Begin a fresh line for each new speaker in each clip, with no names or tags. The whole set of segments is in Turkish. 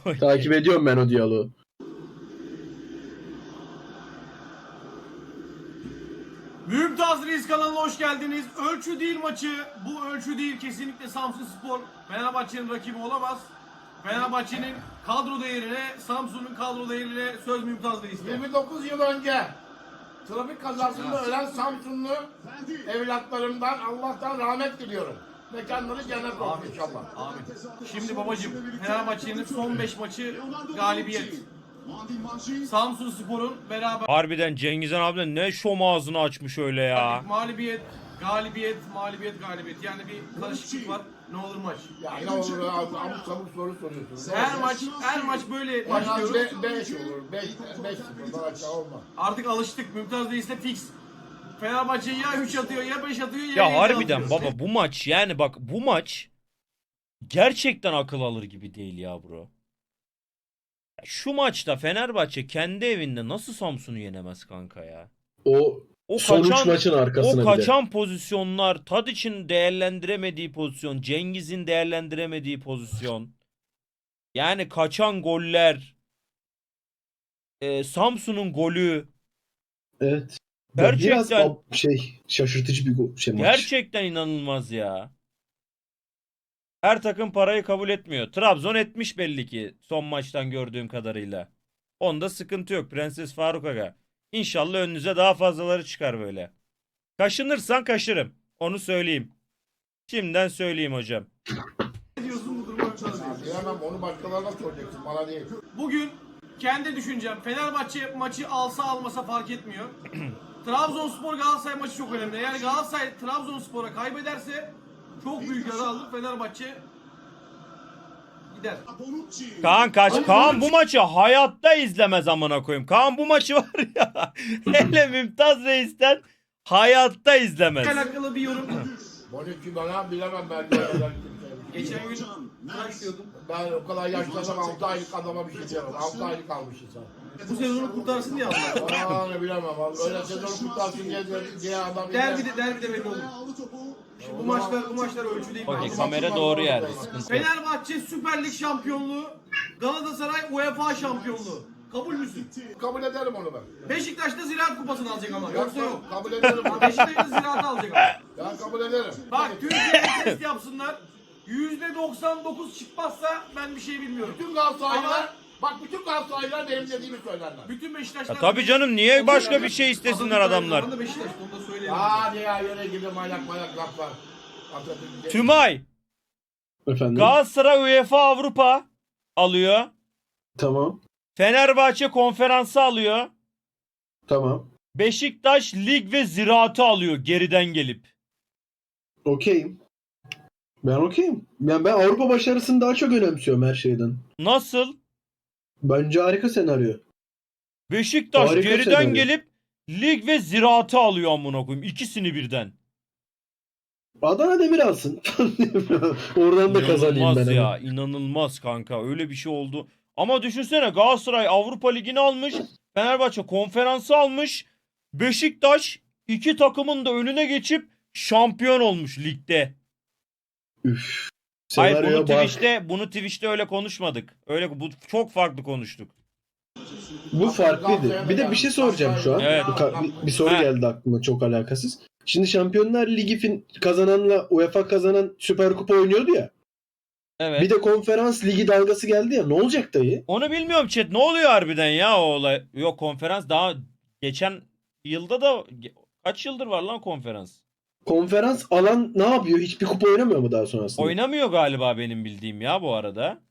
Takip ediyorum ben o diyaloğu.
Mümtaz Reis kanalına hoş geldiniz. Ölçü değil maçı. Bu ölçü değil, kesinlikle Samsunspor Fenerbahçe'nin rakibi olamaz. Fenerbahçe'nin kadro değerine, Samsun'un kadro değerine söz Mümtaz Reis'te.
29 yıl önce trafik kazasında ölen Samsunlu evlatlarımdan Allah'tan rahmet diliyorum. Mekanları cennet olsun inşallah.
Amin. Şimdi babacım, Fenerbahçe'nin son 5 maçı galibiyet. Samsunspor'un beraber
Harbiden Cengizhan abi ne şom ağzını açmış öyle ya.
mağlubiyet, galibiyet, mağlubiyet, galibiyet. Yani bir karışıklık var. Ne olur maç.
Ya ne olur abuk sabuk soru soruyorsun.
Her maç böyle
En az
başlıyoruz.
5 olur. 5-0 aşağı olmaz.
Artık alıştık. Mümtaz Reis'te fix. Fenerbahçe ya 3 atıyor ya 5 atıyor ya
Ya
7
harbiden
atıyor.
baba bu maç yani bak bu maç gerçekten akıl alır gibi değil ya bro. Ya şu maçta Fenerbahçe kendi evinde nasıl Samsun'u yenemez kanka ya?
O son 3 maçın arkasına
o
bir de.
kaçan pozisyonlar, Tadiç'in değerlendiremediği pozisyon, Cengiz'in değerlendiremediği pozisyon. Yani kaçan goller, Samsun'un golü
Evet.
gerçekten
Biraz şaşırtıcı bir maç.
gerçekten inanılmaz ya. Her takım parayı kabul etmiyor. Trabzon etmiş belli ki son maçtan gördüğüm kadarıyla. Onda sıkıntı yok Prenses Faruk Aga. İnşallah önünüze daha fazlaları çıkar böyle. Kaşınırsan kaşırım. Onu söyleyeyim. Şimdiden söyleyeyim hocam.
Ne diyorsun bu duruma Mümtaz Reis?
Diyemem, onu başkalarına soracaksın, bana değil.
Bugün kendi düşüncem, Fenerbahçe maçı alsa almasa fark etmiyor. Trabzonspor Galatasaray maçı çok önemli. Eğer Galatasaray Trabzonspor'a kaybederse çok büyük yara alır. Fenerbahçe gider.
Kaan bu maçı hayatta izlemez amına koyayım. Kaan bu maçı var ya. Hele Mümtaz Reis'ten hayatta izlemez.
Alakalı bir yorum.
Bonucci bana bilemem ben.
Geçen gün kaç diyordum.
Ben o kadar yaşlansam 6 aylık adama bir şey diyemem. 6 aylık kalmışsın sen.
Bu sezonu kurtarsın diye aldılar.
Aa ne bilemem abi. Öyle sezon kurtarsın diye adam
Derbide belli olur. Şimdi bu maçlar ölçü değil.
Okey,
mi?
kamera doğru yerde. Sıkıntı yok.
Fenerbahçe Süper Lig şampiyonluğu, Galatasaray UEFA şampiyonluğu. Kabul müsün?
kabul ederim onu ben.
Beşiktaş'ta Ziraat Kupası'nı alacak ama. Yoksa yok.
Kabul ederim onu.
Beşiktaş'ta Ziraat'ı alacak ama.
Ben kabul ederim.
Bak Türkiye'de test yapsınlar. %99 çıkmazsa ben bir şey bilmiyorum.
Bütün Galatasaraylılar,
Ama
bak bütün Galatasaraylılar benim dediğimi söylerler.
bütün Beşiktaşlar...
Ya tabii canım, niye başka bir şey istesinler adamlar?
Atatürk Beşiktaş, onu da söyleyeyim.
Hadi ya yere gidin manyak laflar. Atatürk.
Tümay.
Efendim.
Galatasaray UEFA Avrupa alıyor.
Tamam.
Fenerbahçe konferansı alıyor.
Tamam.
Beşiktaş lig ve ziraatı alıyor geriden gelip.
Okeyim. Ben okeyim. Yani ben Avrupa başarısını daha çok önemsiyorum her şeyden.
Nasıl?
Bence harika senaryo.
Beşiktaş
Harika
geriden
senaryo.
gelip lig ve ziraatı alıyor amına koyayım. İkisini birden.
Adana Demir alsın. Oradan da kazanayım ben.
İnanılmaz ya.
Hemen.
İnanılmaz kanka. Öyle bir şey oldu. Ama düşünsene, Galatasaray Avrupa Ligi'ni almış. Fenerbahçe konferansı almış. Beşiktaş iki takımın da önüne geçip şampiyon olmuş ligde.
Üf.
Hayır,
Senaryoya bak.
bunu Twitch'te öyle konuşmadık. Öyle bu çok farklı konuştuk.
Bu farklıydı. Bir de bir şey soracağım şu an.
Evet.
Bir soru
Ha.
geldi aklıma çok alakasız. Şimdi Şampiyonlar Ligi kazananla UEFA kazanan Süper Kupa oynuyordu ya.
Evet.
Bir de Konferans Ligi dalgası geldi ya. Ne olacak dayı?
Onu bilmiyorum chat. Ne oluyor harbiden ya o olay? Yok, konferans daha geçen yılda da kaç yıldır var lan konferans?
Konferans alan ne yapıyor? Hiçbir kupa oynamıyor mu daha sonrasında?
Oynamıyor galiba benim bildiğim ya bu arada.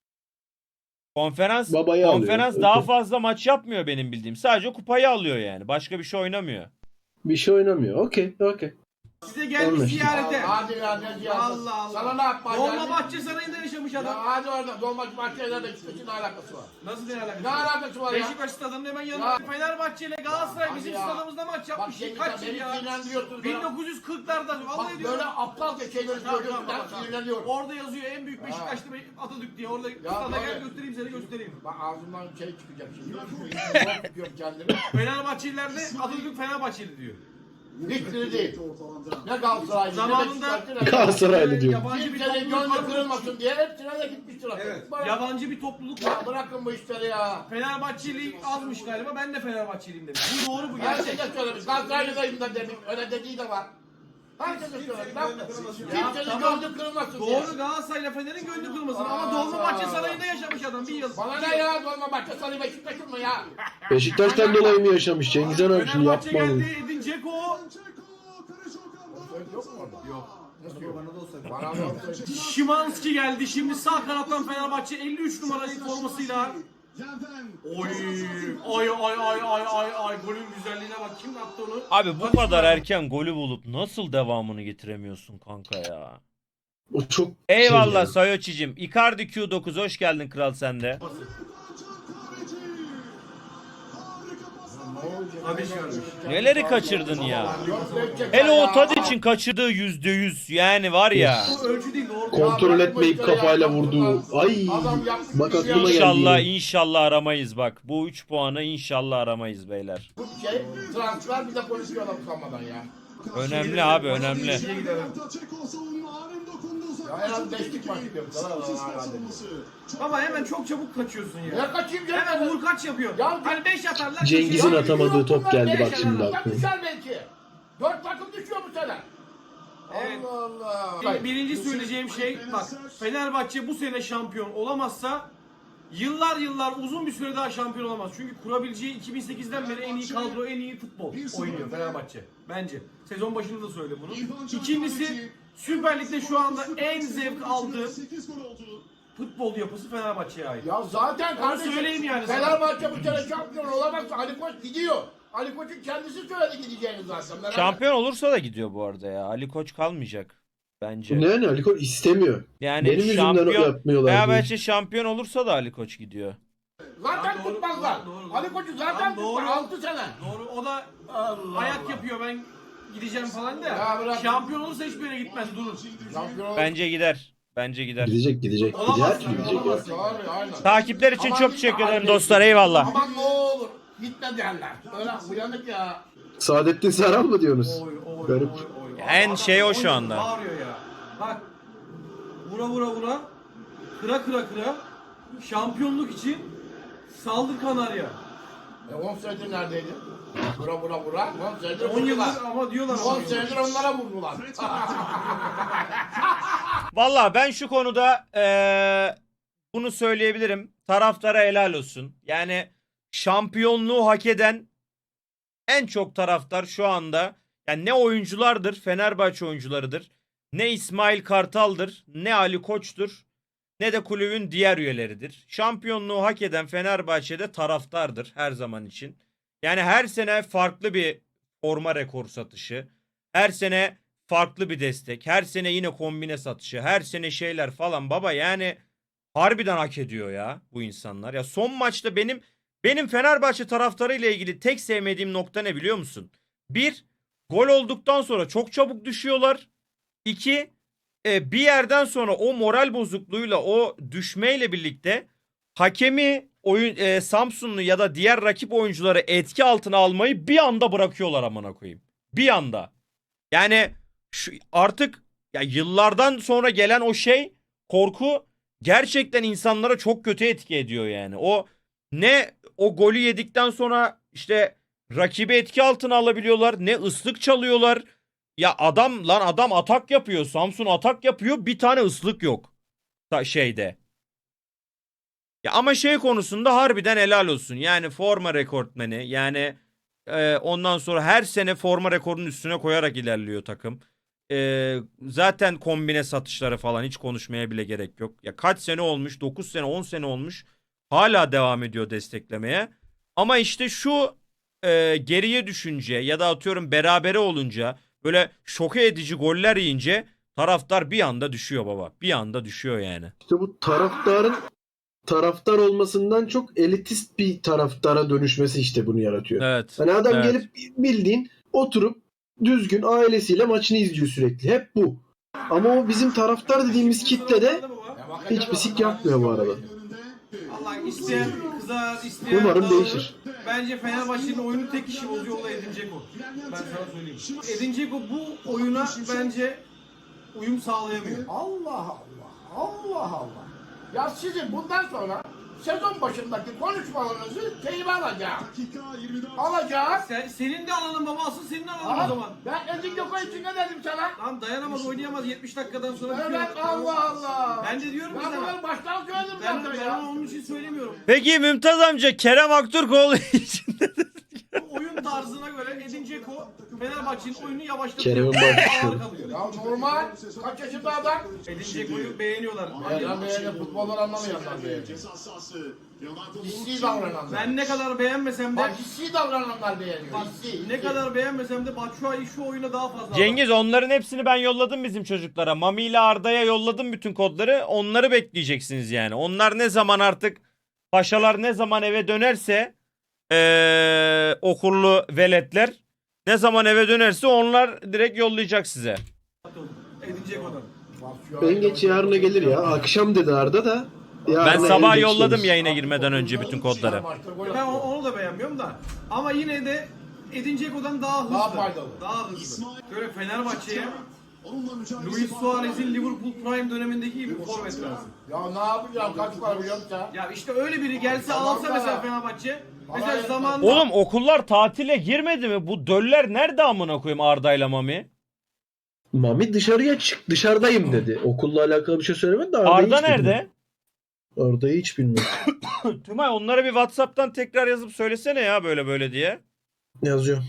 Konferans
Babayı
konferans
alıyor.
daha
Okey.
fazla maç yapmıyor benim bildiğim. Sadece kupayı alıyor yani. Başka bir şey oynamıyor.
Bir şey oynamıyor. Okey.
Size gelmiş
Anlaştık.
ziyarete.
Hadi ya ne diyorsun?
Allah Allah.
Sana ne yapma
Dolmabahçe Sarayı'nda yaşamış
Ya
adam.
hadi orada Dolmabahçe'yle Beşiktaş'ın ne alakası var?
Nasıl ne alakası?
Ne alakası var ya?
Beşiktaş stadının hemen yanında.
Ya.
Fenerbahçe ile Galatasaray
Hadi
bizim
ya.
stadımızda maç
Bak
yapmış.
şimdi
Kaç
sen
yıl
beni
ya?
sinirlendiriyorsun.
1940'larda.
Bak
Vallahi diyorum.
böyle aptalca şeyleri söylüyorsun. Ben sinirleniyorum.
Orada yazıyor en büyük Beşiktaşlı Atatürk diye. Orada stada gel göstereyim seni göstereyim.
Bak ağzımdan şey çıkacak şimdi. Zor tutuyorum kendimi.
Fenerbahçeliler de Atatürk Fenerbahçeli diyor.
Hiçbiri değil. Ne Galatasaraylı, ne
Zamanında-
Beşiktaşlı, ne
Galatasaraylı diyor.
Yabancı bir
Kimsenin
topluluk
gönlü
var.
kırılmasın diye hepsine de gitmiş trafik.
Evet.
Bırak-
Yabancı bir topluluk var.
Ya bırakın bu işleri ya.
Fenerbahçeli azmış galiba. Ben de Fenerbahçeliyim demiş. Bu doğru, bu
Herkese
gerçek.
söylemiş. Galatasaraylı'dayım da demiş. Öyle dediği de var. Herkese söylemiş.
Ya
Kimsenin
tamam.
gönlü kırılmasın diye.
Doğru, Galatasaray'la Fener'in gönlü kırılmasın ama Dolmabahçe Sarayı'nda yaşamış adam bir yıl.
Bana ne ya? Dolmabahçe Sarı Beşiktaş'ın mı ya?
Beşiktaş'tan dolayı mı yaşamış Cengiz Han abi, şimdi
Fenerbahçe
yapma onu.
geldi, Edin Dzeko.
Yok mu orada?
Yok.
Nasıl yok? Bana da olsaydı.
Şimanski geldi. Şimdi sağ kanattan Fenerbahçe 53 numaralı formasıyla. Oy, ay ay ay ay ay ay, golün güzelliğine bak. Kim attı onu?
Abi bu kadar erken golü bulup nasıl devamını getiremiyorsun kanka ya?
O çok
Eyvallah
şey ya.
Sayoçicim. Icardi Q9 hoş geldin kral sende.
Tabii görmüş.
Neleri kaçırdın ya?
Yok, Beşiktaş
Hele
ya.
o Tadic'in kaçırdığı %100 yani var ya.
Bu ölçü değil, doğru.
Kontrol etmeyip kafayla vurduğu. Ay.
Adam yapmış
Bak
bir şey.
aklıma
İnşallah
geldi.
inşallah aramayız bak. Bu 3 puanı inşallah aramayız beyler.
Bu şey transfer bir de konuşuyorlar utanmadan ya.
Önemli abi önemli.
Ya en az 5'lik maç yapıyor.
Baba hemen çok çabuk kaçıyorsun ya.
Ne kaçayım canım?
Hemen vur kaç yapıyor.
Ya-
Hani 5 atarlar.
Cengiz'in
kaçıyor.
atamadığı top geldi bak şimdi
Bak
aklıma.
düşer belki. 4 takım düşüyor bu sene.
Evet.
Allah Allah.
Birinci söyleyeceğim şey, bak, Fenerbahçe bu sene şampiyon olamazsa yıllar uzun bir süre daha şampiyon olamaz. Çünkü kurabileceği 2008'den beri en iyi kadro, en iyi futbol oynuyor Fenerbahçe. Bence. Sezon başında da söyledim bunu. İkincisi, Süper Lig'de şu anda en zevk aldığı futbol yapısı Fenerbahçe'ye ait.
Ya zaten
Onu
kardeşim
söyleyeyim yani sana.
Fenerbahçe bu sene şampiyon olamazsa Ali Koç gidiyor. Ali Koç'un kendisi söyledi gideceğini zaten. Merak
Şampiyon olursa da gidiyor bu arada ya. Ali Koç kalmayacak bence.
Ne yani Ali Koç istemiyor.
Yani
Benim yüzümden
şampiyon
yapmıyorlar diye.
Fenerbahçe şampiyon olursa da Ali Koç gidiyor.
Zaten
Doğru,
tutmazlar.
doğru.
Ali Koç'u zaten
Doğru.
tutmaz. 6 sene.
Doğru, o da
Allah
ayak
Allah.
yapıyor, ben gideceğim falan da.
Ya bırak.
Şampiyon olursa hiçbir yere gitmez, durur.
Şampiyon olur.
Bence gider. Bence gider.
Gidecek. Gider
Olamaz
ki
yani,
gidecek ya.
olamaz.
Abi, aynen.
Takipler için
Aman
çok
gitme,
teşekkür ederim
abi.
dostlar. Eyvallah.
Aman ne olur. Gitme derler. Öyle uyanık ya.
Saadettin Saran mı diyorsunuz? Garip.
En şey o şu anda.
Bağırıyor ya. Bak. Vura. Kıra. Şampiyonluk için saldır Kanarya.
10 senedir neredeydi? Vura. 10 senedir
10 yıldır
vurdular.
ama diyorlar
10
ama.
senedir onlara vurdular.
Valla ben şu konuda bunu söyleyebilirim. Taraftara helal olsun. Yani şampiyonluğu hak eden en çok taraftar şu anda, yani ne oyunculardır, Fenerbahçe oyuncularıdır, ne İsmail Kartal'dır, ne Ali Koç'tur, ne de kulübün diğer üyeleridir. Şampiyonluğu hak eden Fenerbahçe'de taraftardır her zaman için. Yani her sene farklı bir forma rekor satışı, her sene farklı bir destek, her sene yine kombine satışı, her sene şeyler falan baba, yani harbiden hak ediyor ya bu insanlar. Ya son maçta benim Fenerbahçe taraftarı ile ilgili tek sevmediğim nokta ne biliyor musun? Bir, gol olduktan sonra çok çabuk düşüyorlar. İki, bir yerden sonra o moral bozukluğuyla, o düşmeyle birlikte hakemi, Samsunlu ya da diğer rakip oyuncuları etki altına almayı bir anda bırakıyorlar amına koyayım. Bir anda. Yani şu artık ya yıllardan sonra gelen o korku gerçekten insanlara çok kötü etki ediyor yani. O golü yedikten sonra işte rakibi etki altına alabiliyorlar, ne ıslık çalıyorlar. Ya adam atak yapıyor. Samsun atak yapıyor. Bir tane ıslık yok. Şeyde. Ya ama konusunda harbiden helal olsun. Yani forma rekortmeni. Yani ondan sonra her sene forma rekorunun üstüne koyarak ilerliyor takım. Zaten kombine satışları falan hiç konuşmaya bile gerek yok. Ya kaç sene olmuş? 9 sene, 10 sene olmuş. Hala devam ediyor desteklemeye. Ama işte şu geriye düşünce ya da atıyorum berabere olunca, böyle şoke edici goller yiyince taraftar bir anda düşüyor baba. Bir anda düşüyor yani.
İşte bu taraftar olmasından çok elitist bir taraftara dönüşmesi işte bunu yaratıyor.
Evet.
Hani adam
evet.
gelip bildiğin oturup düzgün ailesiyle maçını izliyor sürekli. Hep bu. Ama o bizim taraftar dediğimiz kitlede hiçbir sik yapmıyor bu arada.
Allah, isteyen kızar, isteyen
Umarım
dağılır.
değişir.
bence Fenerbahçe'nin oyunu tek kişi bozuyor, o da Edin Dzeko. Ben sana söyleyeyim. Edin Dzeko bu oyuna bence uyum sağlayamıyor.
Allah Allah. Allah Allah. Ya sizin bundan sonra sezon başındaki konuşmalarınızı teybe alacağım. Alacağım.
Senin de alanın baba, asıl senin alanın o zaman.
Ben Edin Dzeko için ne dedim sana?
Lan dayanamaz, oynayamaz 70 dakikadan sonra.
Evet, Allah Allah.
Ben de diyorum ki
Ben
sana.
bunları baştan söyledim
Ben
zaten ya.
onun için söylemiyorum.
Peki Mümtaz amca Kerem Aktürkoğlu için ne dedi?
Bu oyun tarzına göre Edin Dzeko Fenerbahçe'nin oyunu
Kerem'in
yavaşlatıyor.
başlığı.
Ağır kalıyor.
Ya normal. Kaç yaşında adam?
Edin Dzeko'yu beğeniyorlar.
Ben beğendim. Futbolları anlamayanlar beğeniyor. Hissi davrananlar.
Ben ne kadar beğenmesem de
Bak hissi davrananlar beğeniyor.
bak,
Hissi.
ne kadar beğenmesem de Batshuayi şu oyuna daha fazla.
Cengiz onların hepsini ben yolladım bizim çocuklara. Mami ile Arda'ya yolladım bütün kodları. Onları bekleyeceksiniz yani. Onlar ne zaman artık paşalar ne zaman eve dönerse okullu veletler ne zaman eve dönerse onlar direkt yollayacak size.
Edin Dzeko'dan.
En geç yarına gelir ya. Akşam dedi Arda da.
Ben
Yarına
sabah
en geç
yolladım
gelir.
yayına girmeden önce bütün kodları.
Ben onu da beğenmiyorum da. Ama yine de Edin Dzeko'dan daha hızlı.
Daha faydalı.
Daha hızlı. Böyle Fenerbahçe'ye Luis Suarez'in Liverpool Prime dönemindeki gibi bir forvet lazım.
Ya ne yapacağım? Kaç para biliyor musun sen?
Ya işte öyle biri gelse alsa mesela Fenerbahçe. Mesela
yetmez.
zamanında
Oğlum okullar tatile girmedi mi? Bu döller nerede amına koyayım Arda'yla Mami?
Mami dışarıya çık. Dışarıdayım dedi. Okulla alakalı bir şey söylemedi de Arda'yı
Arda
hiç
nerede?
bilmiyorum. Arda'yı hiç bilmiyorum.
Tümay onlara bir WhatsApp'tan tekrar yazıp söylesene ya böyle böyle diye.
Yazıyor.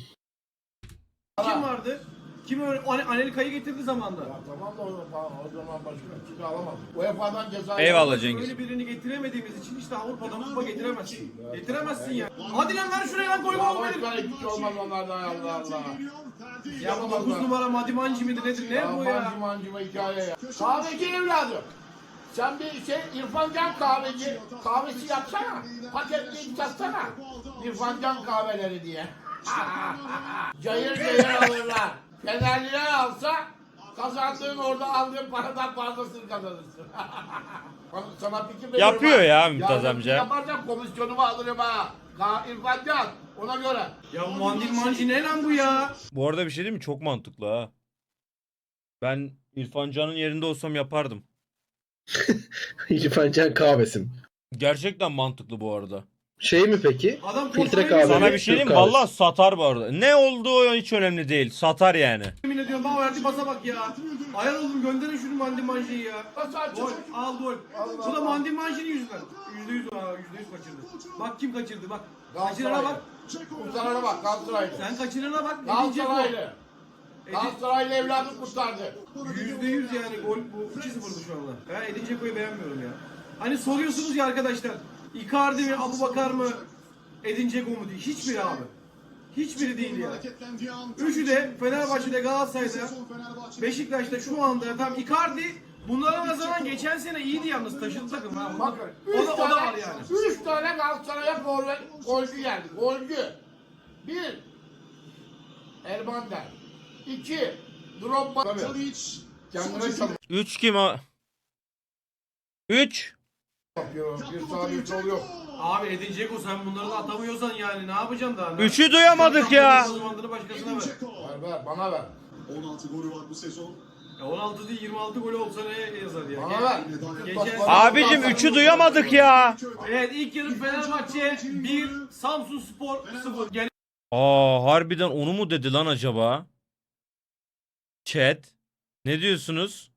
kim vardı? Kim öyle Anelka'yı getirdi zamanda.
Ya tamam da o zaman başka kimse alamaz. UEFA'dan ceza.
Eyvallah Cengiz.
Öyle birini getiremediğimiz için işte Avrupa'dan kupa getiremezsin. Getiremezsin ya. Hadi lan ver şuraya lan, koyma
Ya
oğlum benim.
başka hiçbir şey olmaz onlardan ya Allah Allah.
Ya bu 9 numara Madimanci midir nedir, ne bu ya?
Mancıma hikaye ya. Kahveci evladım. Sen bir İrfan Can kahveci kahvesi yapsana. Paketleyip satsana. İrfan Can kahveleri diye. Cayır cayır alırlar. Fenerliler alsa kazandığın orada aldığın paradan fazlasını kazanırsın. Sana fikir veriyorum.
Yapıyor
ha.
ya Mümtaz
ben
amca.
Yaparsam komisyonumu alırım ha. İrfan Can ona göre.
Ya Madimanci ne lan bu ya?
Bu arada bir şey diyeyim mi? Çok mantıklı ha. Ben İrfan Can'ın yerinde olsam yapardım.
İrfan Can kahvesim.
Gerçekten mantıklı bu arada.
Şey mi peki?
Adam
Filtre
koşmayı
kahve.
Sana
Evet,
bir şey diyeyim mi?
Türk kahvesi.
Vallahi satar bu arada. Ne olduğu hiç önemli değil. Satar yani.
yemin ediyorum, bana verdi basa bak ya. Ayar oldum, gönderin şunu Madimanci'yi ya.
Nasıl açılır?
Gol, al gol. Bu da Madimanci'nin yüzünden. %100 kaçırdı. Bak kim kaçırdı bak. Kaçırana bak.
Kurtarana bak Galatasaraylı.
Sen kaçırana bak.
Galatasaraylı. Galatasaraylı evladı kurtardı.
%100 yani gol bu 2-0'dı şu anda. Ben Edin Dzeko'yu beğenmiyorum ya. Hani soruyorsunuz ya arkadaşlar. Icardi mi, Abubakar mı, Edin Dzeko mu diye. Hiçbiri abi. Hiçbiri değil ya. Üçü de Fenerbahçe'de, Galatasaray'da, Beşiktaş'ta şu anda tam Icardi bunlara nazaran geçen sene iyiydi yalnız, taşıdı takım ha.
Bakın
O da var yani.
3 tane Galatasaray'a forvet golcü geldi. Golcü. 1. Elmander. 2. Drogba. Tabii. Kendine çalış
3 kim o? 3.
yapıyor. Bir sağ bir sol yok.
Abi Edin Dzeko, sen bunları da atamıyorsan yani ne yapacaksın daha?
3'ü duyamadık ya.
Uzmanlığını başkasına ver.
Ver bana ver.
16 golü var bu sezon.
Ya 16 değil 26 gol olsa ne yazar ya?
Bana ver.
Geçen-
Abicim 3'ü duyamadık ya.
Evet, ilk yarı Fenerbahçe 1, Samsunspor 0. Gene
Aa harbiden onu mu dedi lan acaba? Chat. Ne diyorsunuz?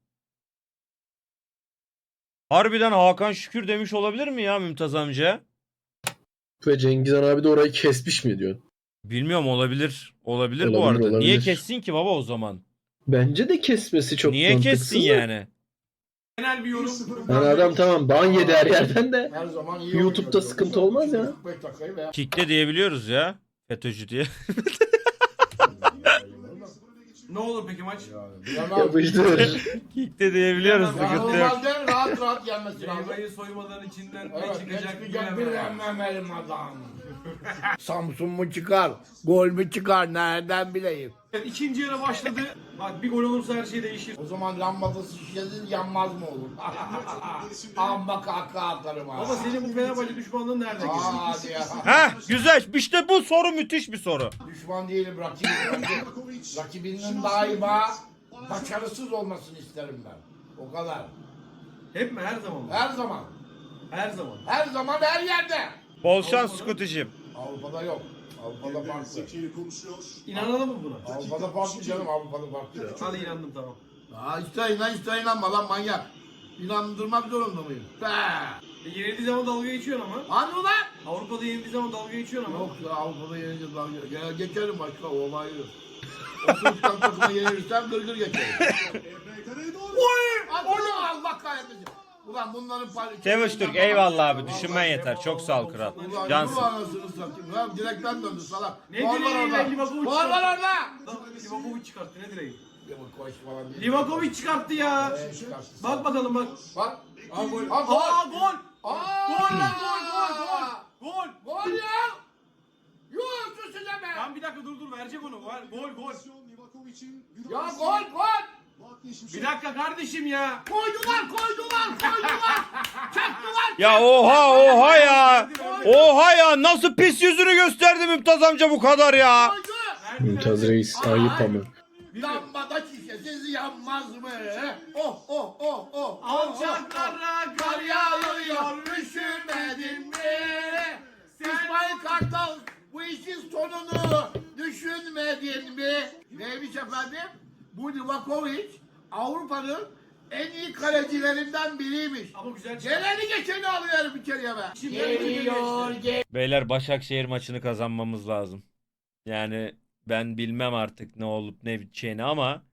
Harbiden Hakan Şükür demiş olabilir mi ya Mümtaz amca?
Ve Cengizhan abi de orayı kesmiş mi diyor.
Bilmiyorum, olabilir. Olabilir bu
Olabilir,
arada. Niye
olabilir.
kessin ki baba o zaman?
Bence de kesmesi çok
Niye
mantıksız
kessin
da.
yani?
genel bir yorum.
Yani adam tamam ban yedi her yerden de.
Her zaman iyi
YouTube'da
oynuyor.
sıkıntı olmaz ya.
45 dakikayı veya
Kick'te diyebiliyoruz ya. FETÖ'cü diye.
Ne olur peki maç?
bilemem.
Yapıştır.
Kick'te diyebiliyoruz.
Ya,
Sıkıntı yok.
Normalde rahat rahat gelmesi lazım.
Meyveyi soymadan içinden ne
Evet,
çıkacak
ne çıkacak
bilemem.
bilemem elim adam. Samsun mu çıkar? Gol mü çıkar? Nereden bileyim?
Evet, ikinci yarı başladı. Bak bir gol olursa her şey değişir.
O zaman lambası şişesiz yanmaz mı olur? Amma kahkaha atarım ha.
Ama senin bu Fenerbahçe düşmanlığın nereden geliyor?
Hadi ya.
Heh güzel. İşte bu soru müthiş bir soru.
Düşman değilim rakibim. Rakibinin daima başarısız olmasını isterim ben. O kadar.
Hep mi? Her zaman mı?
Her zaman.
Her zaman.
Her zaman her yerde.
Bol şans Scootie'cim.
Avrupa'da yok. Avrupa'da farklı.
Zeki konuşuyor.
İnanalım mı buna?
Avrupa'da farklı canım. Avrupa'da farklı.
Hadi inandım tamam.
İster inan ister inanma lan manyak. İnandırmak zorunda mıyım?
Yenildiği zaman dalga geçiyorsun ama.
Hani ulan?
Avrupa'da yenildiği zaman dalga geçiyorsun ama.
Yok ya Avrupa'da yenince dalga. Ya geçerim başka olay yok. O sınıftan takıma yenilirsem gırgır geçerim.
Emre Kara'ya doğru.
Onu Allah kahretmesin. Ulan bunların parçası.
Çavuş Türk eyvallah abi. Düşünmen yeter. Çok sağ ol kral.
Ulan
Cansın.
bu anasını satayım. Lan direkten döndü salak.
Ne
Gol var
direği
orada.
lan, Livakovic
Gol var orada.
Livakovic çıkarttı ne direği?
Livakovic falan değil.
Livakovic çıkarttı ya.
Çıkarttı.
Bak bakalım bak.
Bak. Aa gol.
Aa gol.
Aa!
Gol lan gol. Gol.
Gol ya. Yuh üstüne be.
Lan bir dakika dur verecek onu. Gol.
Livakovic'in
Ya gol.
Bir dakika kardeşim ya.
Koydular. Çaktılar.
Ya oha ya. Oha ya. Nasıl pis yüzünü gösterdi Mümtaz amca bu kadar ya.
Koydu.
Mümtaz Reis ayıp ama.
Lambada şişesiz yanmaz mı? Oh.
Alçaklara
Kar yağıyor, üşümedin mi? İsmail Kartal bu işin sonunu düşünmedin mi? Neymiş efendim? Bu Livakovic Avrupa'nın en iyi kalecilerinden biriymiş.
Ama güzel çıktı.
Geleni geçeni alıyorum içeriye be.
Geliyor.
Beyler Başakşehir maçını kazanmamız lazım. Yani ben bilmem artık ne olup ne biteceğini ama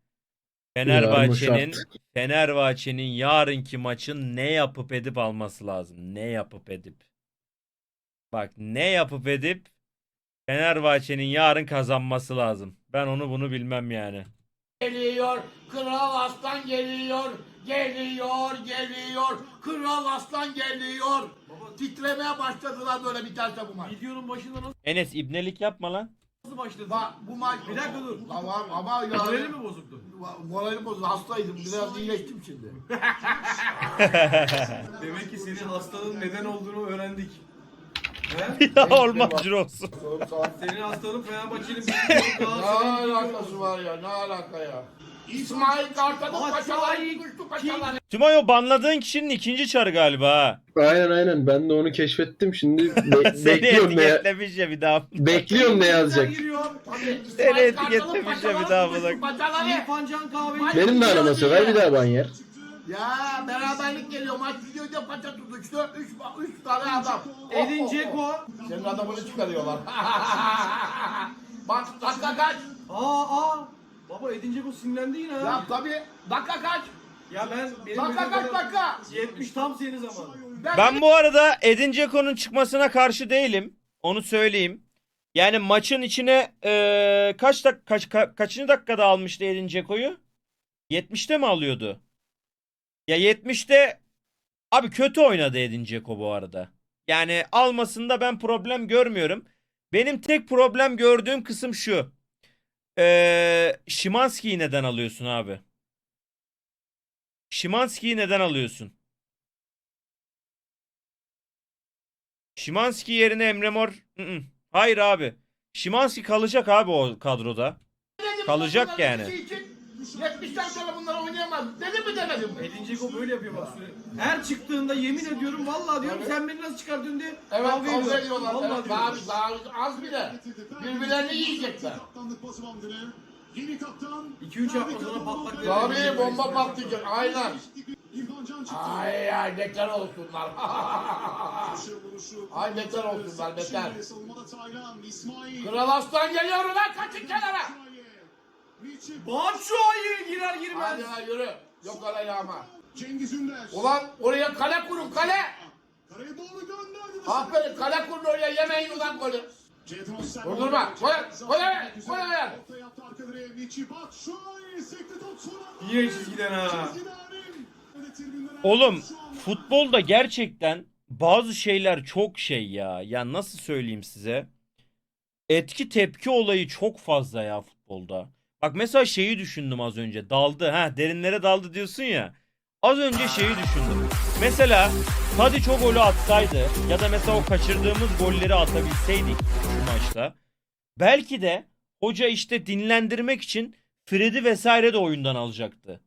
Fenerbahçe'nin yarınki maçın ne yapıp edip alması lazım. Ne yapıp edip. Bak ne yapıp edip Fenerbahçe'nin yarın kazanması lazım. Ben onu bunu bilmem yani.
Geliyor, Kral Aslan geliyor. Kral Aslan geliyor. Titremeye başladılar böyle biterse bu maç.
Videonun başında
Enes ibnelik yapma lan.
nasıl başladı?
Bak bu maç...
Bir dakika dur.
Tamam ama
Morali mi bozuktu?
Moralim bozuldu. Hastaydım. Biraz iyileştim şimdi.
Demek ki senin hastanın neden olduğunu öğrendik.
Ya olmaz olsun.
Senin hastanın Fenerbahçe'nin
Ne alakası var ya? Ne alaka ya? İsmail Kartal'ın paçaları kuştu paçaları.
Tümayo banladığın kişinin ikinci çarı galiba ha.
Aynen ben de onu keşfettim. Şimdi
Seni
bekliyorum ne
etiketlemiş ya bir daha.
bekliyorum ne yazacak.
Seni etiketlemiş ya bir daha bırak.
İrfan Can Kahveci.
Benim de arama sever bir daha ban yer.
Ya beraberlik geliyor. Maç videoda paça tutuştu. Üç tane adam.
Edin Dzeko.
Senin adamını çıkarıyorlar. Bak dakika kaç?
Baba Edin Dzeko sinirlendi yine
Ya
ha.
tabii. Dakika kaç?
Ya benim
Dakika kaç dakika?
70 tam senin zamanı.
Ben bu arada Edin Dzeko'nun çıkmasına karşı değilim. Onu söyleyeyim. Yani maçın içine kaçıncı dakikada almıştı Edin Dzeko'yu? 70'te mi alıyordu? Ya 70'te abi kötü oynadı Edin Dzeko bu arada. Yani almasında ben problem görmüyorum. Benim tek problem gördüğüm kısım şu. Szymański'yi neden alıyorsun abi? Szymański'yi neden alıyorsun? Szymański yerine Emre Mor... Hayır abi. Szymański kalacak abi o kadroda. Kalacak yani.
70'ten sonra bunlar oynayamaz. Dedim mi demedim mi?
Edin Dzeko böyle yapıyor bak sürekli. Her çıktığında yemin ediyorum vallahi diyorum
Evet.
sen beni nasıl çıkartıyorsun diye
Evet kavga
ediyorlar.
ediyorlar.
Vallahi
Evet,
diyorum.
daha az bile. Birbirlerini yiyecekler.
Kaptanlık pası bandını. Yeni kaptan.
2-3 hafta sonra patlak verir.
Tabii bomba patlayacak. Aynen.
İrfan Can çıktı.
Ay bekar olsunlar. Ay bekar olsunlar bekar.
Şimdi savunmada Taylan, İsmail.
Kral Aslan geliyor ulan kaçın kenara.
Batshuayi girer girmez.
Hadi ha yürü. Yok öyle yağma.
Cengiz Ünder.
Ulan oraya kale kurun kale.
Karaya doğru gönderdi.
Aferin kale kurun oraya yemeyin ulan golü. Durdurma. Koy.
Orta yaptı arka direğe. Vici Batshuayi. Sekti top sonra.
Yine çizgiden ha.
Çizgiden.
Oğlum futbolda gerçekten bazı şeyler çok şey ya. Ya nasıl söyleyeyim size? Etki tepki olayı çok fazla ya futbolda. Bak mesela şeyi düşündüm az önce. Daldı. Ha, derinlere daldı diyorsun ya. Az önce şeyi düşündüm. Mesela Tadiç o golü atsaydı ya da mesela o kaçırdığımız golleri atabilseydik şu maçta. Belki de hoca işte dinlendirmek için Fred'i vesaire de oyundan alacaktı.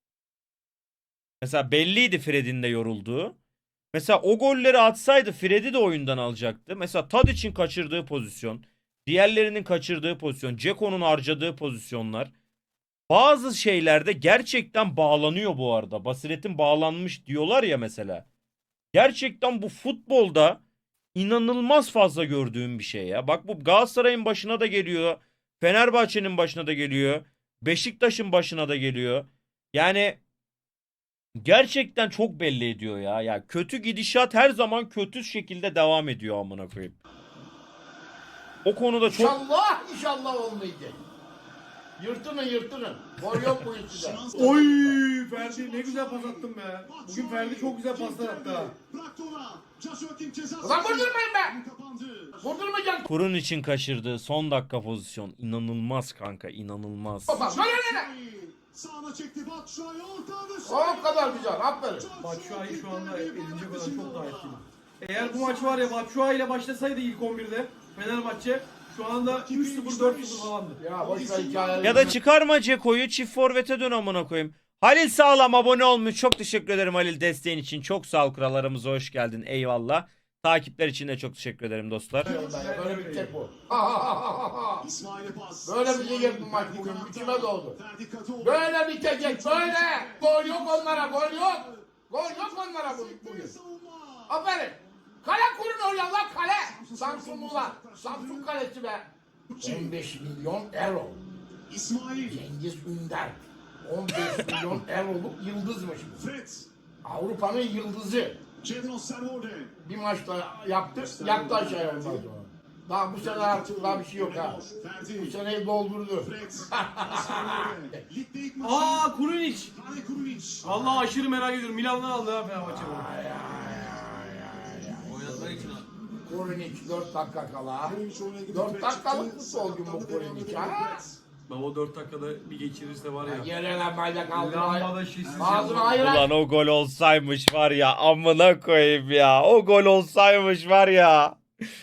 Mesela belliydi Fred'in de yorulduğu. Mesela o golleri atsaydı Fred'i de oyundan alacaktı. Mesela Tadiç'in kaçırdığı pozisyon, diğerlerinin kaçırdığı pozisyon, Ceko'nun harcadığı pozisyonlar. Bazı şeylerde gerçekten bağlanıyor bu arada. Basiret'in bağlanmış diyorlar ya mesela. Gerçekten bu futbolda inanılmaz fazla gördüğüm bir şey ya. Bak bu Galatasaray'ın başına da geliyor. Fenerbahçe'nin başına da geliyor. Beşiktaş'ın başına da geliyor. Yani gerçekten çok belli ediyor ya. Ya kötü gidişat her zaman kötü şekilde devam ediyor amına koyayım. O konuda çok
İnşallah olmayacak. Yırtının. Gol yok bu işçide.
Oy Ferdi ne güzel pas attın be. Bugün Ferdi çok güzel paslar attı ha.
Bıraktı ona. Joshua King ceza
Ulan
sahasına
vurdurmayın be.
kapandı.
Vurdurmayacaksın.
Kurun için kaçırdığı son dakika pozisyon inanılmaz kanka, inanılmaz.
Baba böyle.
Sağına çekti Batshuayi orta dışı.
O kadar güzel. Aferin.
Batshuayi şu anda edince kadar çok daha etkili. Eğer bu maç var ya Batshuayi ile başlasaydı ilk 11'de Fenerbahçe şu anda 3-0 4-0 falandı.
Ya boş ver hikayeleri.
Ya da çıkarma Ceko'yu, çift forvete dön amına koyayım. Halil Sağlam abone olmuş. Çok teşekkür ederim Halil, desteğin için. Çok sağ ol, krallarımıza hoş geldin. Eyvallah. Takipler için de çok teşekkür ederim dostlar.
Böyle bitecek bu.
İsmail'e pas.
Böyle bitecek bu maç bugün. İçime doğdu.
Ferdi Kadıoğlu.
Böyle bitecek. Böyle. Gol yok onlara. Gol yok. Gol yok onlara bugün.
Savunma.
Aferin. Kale kurun oraya lan kale. Samsunlular. Samsun kalesi be. 15 milyon euro.
İsmail.
Cengiz Ünder. 15 milyon euroluk yıldızmış.
Fred.
Avrupa'nın yıldızı.
Cedros Servorde.
Bir maçta yaptı. Yattı aşağıya ondan sonra. Daha bu sene artık daha bir şey yok ha. Bu
Ferdi.
seneyi doldurdu.
Fred. Servorde. Ligde ilk maçı.
Aa Kurunic.
Kale Kurunic.
Vallahi aşırı merak ediyorum. Milan'dan aldı ha Fenerbahçe bunu. Oynatmak için aldı.
Kurunic 4 dakika kala.
Kurunic oyuna girdi.
4
Fred
dakikalık
çıktı.
futbolcu bu Kurunic ha.
Baba 4 dakikada bir geçirirse var ya.
Yere lan bayrak
Lambada
ağzına.
şişsiz
Ağzına
yapma.
ayıran.
Ulan o gol olsaymış var ya, amına koyayım ya. O gol olsaymış var ya.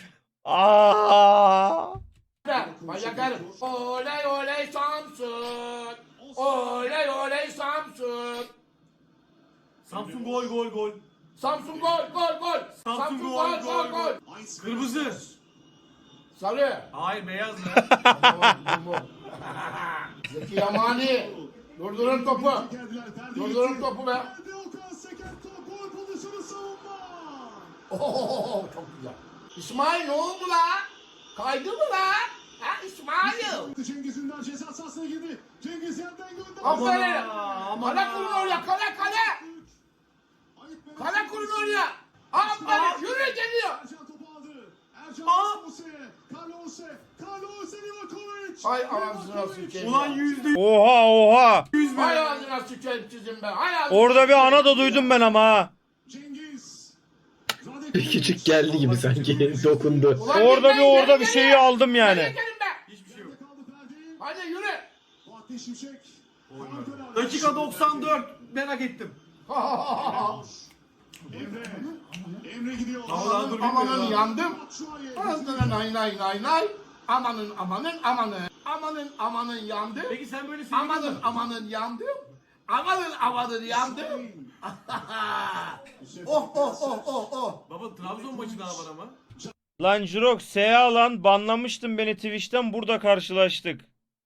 Aa!
Bayrak herif. Oley oley Samsun. Oley oley Samsun.
Samsun gol.
Samsun gol.
Samsun gol.
Ice
Kırmızı.
Sarı.
Hayır beyaz mı?
Bu. Zeki Yamani. Durdurun topu.
geldiler. Ferdi.
Durdurun topu be.
Ferdi Okan seken top. Gol pozisyonu savunma.
Oo, çok güzel. İsmail ne oldu la? Kaydı mı la? Ha İsmail.
Cengiz Ünder ceza sahasına girdi. Cengiz yerden gönderdi.
Aferin.
Aman
Kale kurun oraya. Kale. Kale kurun oraya. Aferin. Yürü geliyor.
Ercan topu aldı. Ercan
Aa!
Carlos Livakovic.
Hay ağzına sıçayım.
Ulan %100
Oha.
be.
Hay ağzına sıçayım sizin be. Hay ağzına
Orada bir ana da duydum ben ama ha.
Cengiz.
Küçük geldi gibi sanki dokundu.
Ulan
Orada
gitmeyin,
bir
geri
şeyi
gelin.
aldım
Geri
yani.
gelin be.
Hiçbir şey yok.
Kaldı Ferdi.
Hadi yürü.
Fatih Şimşek.
Dakika 94 merak ettim.
Emre gidiyor.
Vallahi dur
Amanın
bilmiyorum.
yandım.
Batshuayi.
Ağzına nay. Amanın. Amanın yandı.
Peki sen böyle sevgili
Amanın yandım. Amanın yandım. Oh.
Baba Trabzon maçı daha var ama.
Lan Jirok Seha lan, banlamıştın beni Twitch'ten, burada karşılaştık.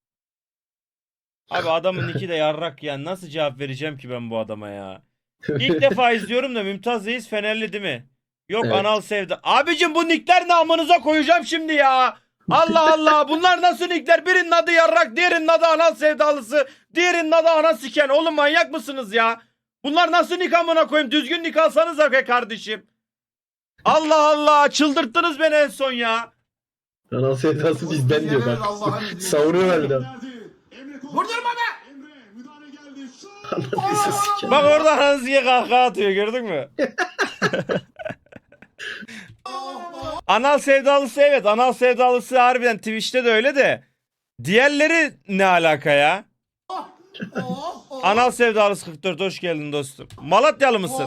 Abi adamın iki de yarrak ya. Nasıl cevap vereceğim ki ben bu adama ya? İlk defa izliyorum da Mümtaz Reis Fenerli değil mi? Yok
Evet.
anal sevdi. Abicim bu nickler ne, amınıza koyacağım şimdi ya. Allah Allah, bunlar nasıl nickler? Birinin adı yarrak, diğerinin adı anal sevdalısı, diğerinin adı ana siken. Oğlum manyak mısınız ya? Bunlar nasıl nick amına koyayım? Düzgün nick alsanıza be kardeşim. Allah Allah, çıldırttınız beni en son ya.
Anal sevdası bizden diyor bak. Savuruyor harbiden.
Emre Kol.
Vurdurma be.
Emre müdahale geldi. Şut.
Anal sevdası.
Bak orada anasıya kahkaha atıyor, gördün mü? Anal sevdalısı evet. Anal sevdalısı harbiden Twitch'te de öyle de. Diğerleri ne alaka ya? Anal sevdalısı 44 hoş geldin dostum. Malatyalı mısın?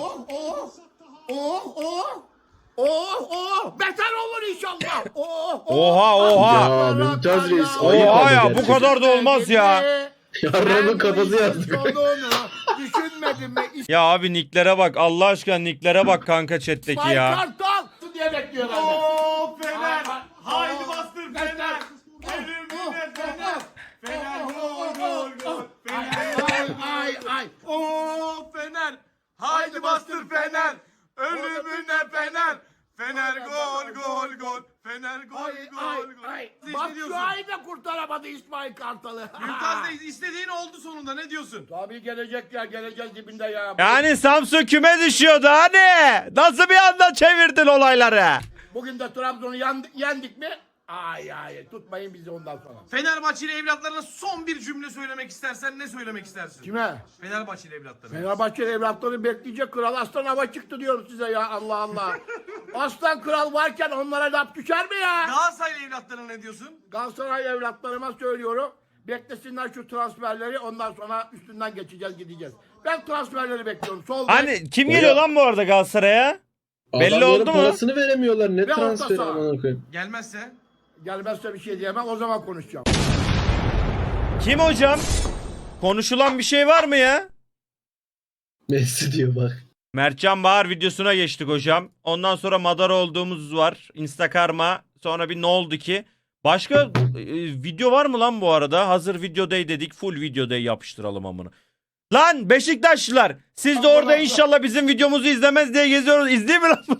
Beter olur inşallah.
Oha.
Ya Mümtaz Reis ayıp
Oha
ama
ya bu
gerçekten.
kadar da olmaz ya.
Yarramın kafası yazdık.
Düşünmedim mi?
Ya abi nicklere bak. Allah aşkına nicklere bak kanka chat'teki ya.
Kartal diye bekliyorlar.
Oo Fener.
Aa,
Haydi bastır Fener. Ölümüne Fener. Fener gol gol gol. Fener.
Ay.
Oo Fener. Haydi bastır Fener. Ölümüne Fener. Fener gol gol gol. Fener gol gol gol. Ne diyorsun?
Batshuayi de kurtaramadı İsmail Kartal'ı.
Mümtaz Reis istediğin oldu sonunda ne diyorsun?
Tabii gelecek ya, geleceğiz dibinde ya.
Yani Samsun küme düşüyordu hani. Nasıl bir anda çevirdin olayları?
Bugün de Trabzon'u yendik mi? Ay tutmayın bizi ondan sonra.
Fenerbahçeli evlatlarına son bir cümle söylemek istersen ne söylemek istersin?
Kime?
Fenerbahçeli evlatlarına.
Fenerbahçe evlatları bekleyecek, kral aslan hava çıktı diyorum size ya, Allah Allah. Aslan kral varken onlara laf düşer mi ya?
Galatasaraylı evlatlarına ne diyorsun?
Galatasaray evlatlarıma söylüyorum. Beklesinler şu transferleri, ondan sonra üstünden geçeceğiz, gideceğiz. Ben transferleri bekliyorum. Sol bek,
Hani kim geliyor lan bu arada Galatasaray'a? Belli
Adamların
oldu mu?
parasını veremiyorlar. Ne
Ve orta
transferi
saha.
amına koyayım.
Gelmezse?
gelmezse bir şey diyemem, o zaman konuşacağım.
Kim hocam? Konuşulan bir şey var mı ya?
Messi diyor bak.
Mertcan Bahar videosuna geçtik hocam. Ondan sonra Madara olduğumuz var. Instakarma. Sonra bir ne oldu ki? Başka video var mı lan bu arada? Hazır videodayı dedik. Full videodayı yapıştıralım amına. Lan Beşiktaşlılar. Siz de orada inşallah bizim videomuzu izlemez diye geziyoruz. İzleyin mi lan bunu?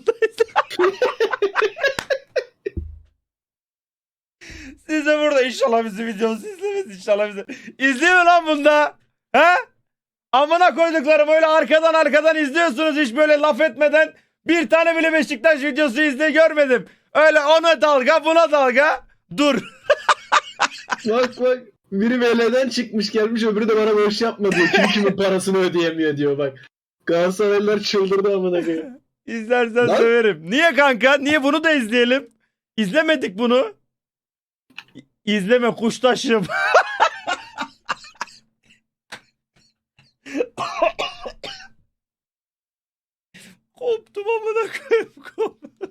Siz de burada inşallah bizim videomuzu izlemez. İnşallah bizi. İzleyin mi lan bunda? He? Amına koyduklarım öyle arkadan izliyorsunuz hiç böyle laf etmeden. Bir tane bile Beşiktaş videosu görmedim. Öyle ona dalga buna dalga. Dur.
Bak biri VL'den çıkmış gelmiş, öbürü de bana boş yapma diyor. Kim kimin parasını ödeyemiyor diyor bak. Galatasaraylılar çıldırdı amına koyayım.
İzlersen
Lan.
söverim. Niye kanka? Niye bunu da izleyelim? İzlemedik bunu. İzleme kuştaşım. Koptum amına koyayım. Koptum.